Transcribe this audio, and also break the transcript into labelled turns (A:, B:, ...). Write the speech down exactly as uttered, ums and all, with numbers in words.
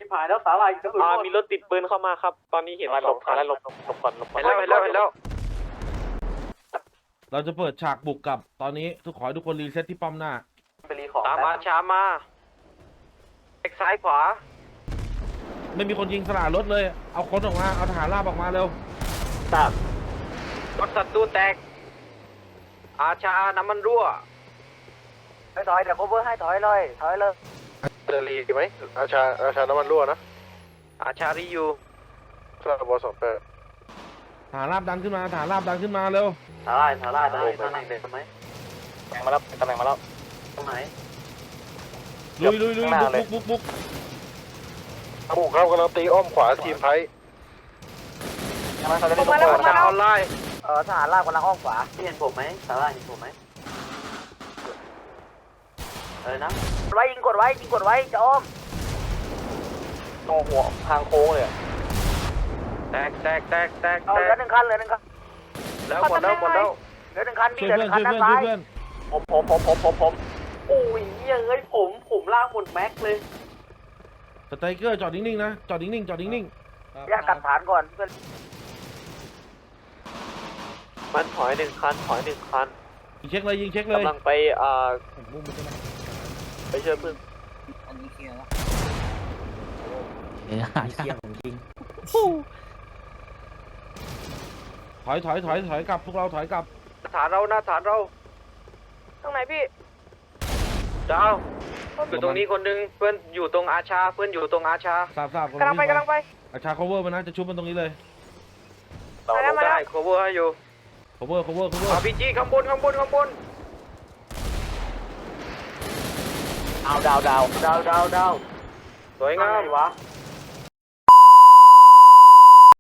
A: ผายแล้วสาลายกระสุน
B: อ่ามีรถติดปืนเข้ามาครับตอนนี้เห็น
C: หลบก่อนแล้วหลบหลบก่อนหลบก่อน
B: เห็นแล้วเห็นแล้วเห็นแล้ว
D: เราจะเปิดฉากบุกกับตอนนี้ทุกขอให้ทุกคนรีเซ็ตที่ป้อมหน้า
A: ไปรีของ
B: ตามอาชามาเอ็กซ้ายขวา
D: ไม่มีคนยิงสลารถเลยเอาคนออกมาเอาทหารราบออกมาเร็ว
A: ทราบ
B: รถศัตรูแตกอาชาน้ำมันรั่ว
A: ถอยถอยเดี๋ยวโคเวอร์ให้ถอยเลยถอยเลย
C: เดลีไหมอาชาอาชาน้ำมันรั่วนะ
B: อาชาริยู
C: ทราบวอสองแปด
D: ทหารราบดันขึ้นมาทหารราบดันขึ้นมาเร็ว
A: สาลายสาลายได้ตำแหน่งเด็กไหม
C: ตำแหน่งมาแล้วตำแหน่งมาแล้ว
A: ตรงไหน
D: ลุยลุยลุยบุกบุกบุก
C: บุกครับกำลังตีอ้อมขวาทีมไพ่
A: ยังไม่เขาจะได้
B: อาชาออนไลน์
A: เออทหารลากกำลังอ้อมขวาเห็นผมไหมสาลายเห็นผมไหมเออนะกดไว้ยิงกดไว้ยิงกดไว้จะอ้อม
C: ตรงหัวทางโค้งเลย
B: แตกแตกแตกแตก
A: เอา
B: แต
A: เหลือก หนึ่งคันเหลือหนึ่งคัน
B: แล้วหมดแล้วหมดแล้ว
A: เหลือหนึ่งคันมี
D: ช่วย
A: เหลือห
D: เพื่อน
A: นึ่ง
D: ช่
A: คั
D: วน ย
A: ด้านซ้าย
D: เพื่อนช่วยเพื่อน
C: ผมผมผมผมผมผม
A: โอ้ยเฮ้ยผมผมลากหมดแม็กเลย
D: สไตรเกอร์จอดนิ่งๆนะจอดนิ่งๆจอดนิ่ง
A: แยกกันฐานก่อนเพื่อน
B: มันถอยหนึ่งคันถอยหนึ่งคัน
D: ๆยิงเช็คเลยยิงเช็คเลย
B: กำลังไปอ่าไปช่วยเพื่อน
E: อันนี้เคลียร์แล้ว
F: เออหาเที่ยของจริง
D: ถอยถอยถอยถอยกลับพวกเราถอยกลับ
B: ฐานเราหน้าฐานเรา
G: ตรงไหนพี่
B: ดาวอยู่ตรงนี้คนหนึงเพื่อนอยู่ตรงอาชาเพื่อนอยู่ตรงอาชา
D: ทราบทราบ
G: กำลังไปกำลังไป
D: อาชา cover มันนะจะชุบมันตรงนี้เลย
G: มาแล้วมาแล้ว
B: ได้ cover ให้อยู่
D: cover cover cover
B: อาร์พีจีข้างบนข้างบนข้างบน
A: ดาวดาวดาวดาวดาว
B: สวยงาม
A: วะ